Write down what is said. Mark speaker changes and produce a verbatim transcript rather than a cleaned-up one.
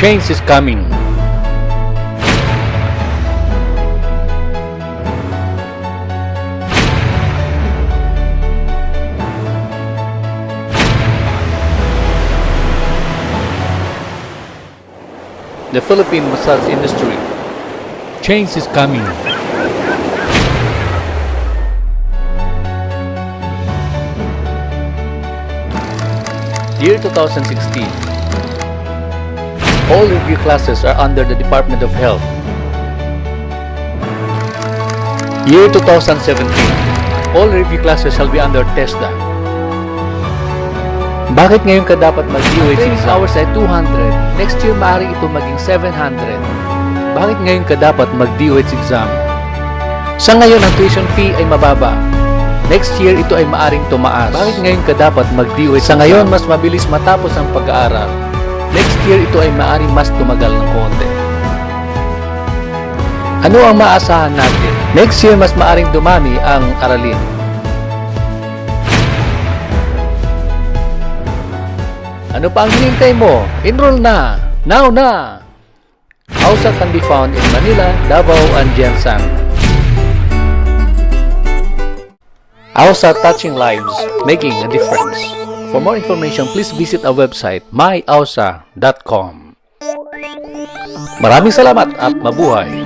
Speaker 1: Change is coming. The Philippine massage industry. Change is coming. Year two thousand sixteen. All review classes are under the Department of Health. Year two thousand seventeen. All review classes shall be under TESDA. Bakit ngayon ka dapat mag-D O H
Speaker 2: Training
Speaker 1: exam?
Speaker 2: hours ay two hundred. Next year, maaari ito maging seven hundred.
Speaker 1: Bakit ngayon ka dapat mag-D O H exam?
Speaker 2: Sa ngayon, ang tuition fee ay mababa. Next year, ito ay maaring tumaas.
Speaker 1: Bakit ngayon ka dapat mag-D O H
Speaker 2: Sa
Speaker 1: exam?
Speaker 2: ngayon, mas mabilis matapos ang pag-aaral. Next year, ito ay maaring mas tumagal ng konti. Ano ang maasahan natin? Next year, mas maaring dumami ang aralin. Ano pa ang hinihintay mo? Enroll na! Now na! AUSA can be found in Manila, Davao, and Jensan. AUSA touching lives, making a difference. For more information, please visit our website my ausa dot com. Maraming salamat at mabuhay!